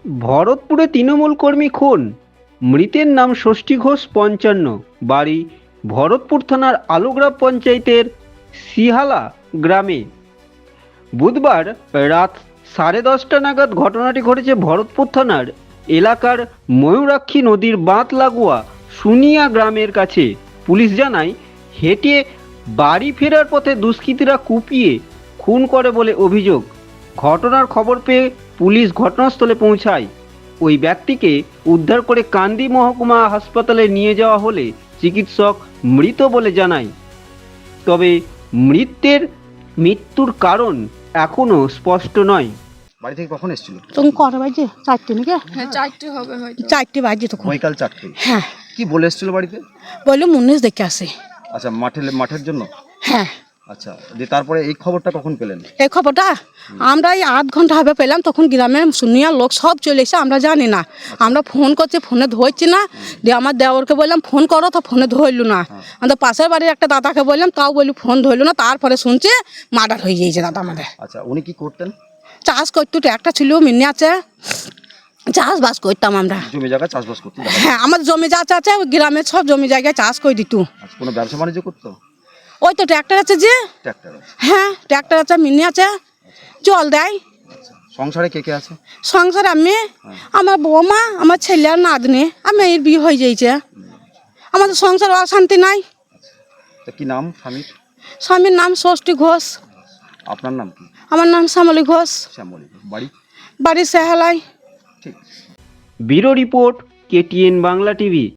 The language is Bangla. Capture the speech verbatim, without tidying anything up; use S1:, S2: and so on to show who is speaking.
S1: ভরতপুরে তৃণমূল কর্মী খুন, মৃতের নাম ষষ্ঠী ঘোষ পঞ্চান্ন, বাড়ি ভরতপুর থানার আলুগ্রাম পঞ্চায়েতের সিহালা গ্রামে। বুধবার রাত সাড়ে দশটা নাগাদ ঘটনাটি ঘটেছে ভরতপুর থানার এলাকার ময়ূরাক্ষী নদীর বাঁধ লাগোয়া সুনিয়া গ্রামের কাছে। পুলিশ জানায়, হেঁটে বাড়ি ফেরার পথে দুষ্কৃতীরা কুপিয়ে খুন করে বলে অভিযোগ। ঘটনার খবর পেয়ে পুলিশ ঘটনাস্থলে পৌঁছায়। ওই ব্যক্তিকে উদ্ধার করে কান্দি মহকুমা হাসপাতালে নিয়ে যাওয়া হলে চিকিৎসক মৃত বলে জানায়। তবে মৃত্যুর মৃত্যুর কারণ এখনো স্পষ্ট নয়।
S2: বাড়ি থেকে কখন এসেছিল?
S3: তখন কটা বাজে? চারটে নাকি?
S4: হ্যাঁ চারটে হবে হয়তো।
S3: চারটে বাজে তখন।
S2: বৈকাল চারটে।
S3: হ্যাঁ,
S2: কি বলে এসেছিল বাড়িতে?
S3: বললো মুন্নিশ দেখে আসে।
S2: আচ্ছা, মাঠে মাঠের জন্য।
S3: হ্যাঁ,
S2: আচ্ছা, দিয়ে তারপরে এই খবরটা কখন পেলেন?
S3: এই খবরটা আমরা এই আধ ঘন্টা হবে পেলাম। তখন গ্রামের শুনিয়া লোক সব চলে এসে, আমরা জানি না। আমরা ফোন করছি, ফোনে ধরছি না। দিয়ে আমার দেওরকে বললাম ফোন করো, তো ফোনে ধরলো না। আমাদের পাশের বাড়ির একটা দাদাকে বললাম, তাও বলি ফোন ধরলো না। তারপরে শুনছে মার্ডার হয়ে গিয়েছে দাদা আমাদের।
S2: আচ্ছা, উনি কি করতেন?
S3: চাষ করতো, একটা ছিল মিনি আছে, চাষবাস করতাম আমরা।
S2: জমি জায়গা চাষবাস করতেন?
S3: হ্যাঁ, আমাদের জমি যা আছে ওই গ্রামের সব জমি জায়গায় চাষ করে দিত।
S2: আচ্ছা, কোনো ব্যবসা বাণিজ্য করতো?
S3: ওই তো ট্র্যাক্টর আছে যে।
S2: ট্র্যাক্টর আছে?
S3: হ্যাঁ, ট্র্যাক্টর আছে, মিনি আছে, জল দেয়।
S2: আচ্ছা, সংসারে কে কে আছে?
S3: সংসার আমি, আমার বৌমা, আমার ছেলে আর নাতনি, আমি এর বিয়ে হয়ে যাইছে। আমাদের সংসার অশান্তি নাই।
S2: তা কি নাম স্বামীর?
S3: স্বামীর নাম ষষ্ঠী ঘোষ।
S2: আপনার নাম কি?
S3: আমার নাম শ্যামলী ঘোষ।
S2: শ্যামলী। বাড়ি?
S3: বাড়ি সেহালাই।
S2: ঠিক।
S1: Bureau report, KTN Bangla TV.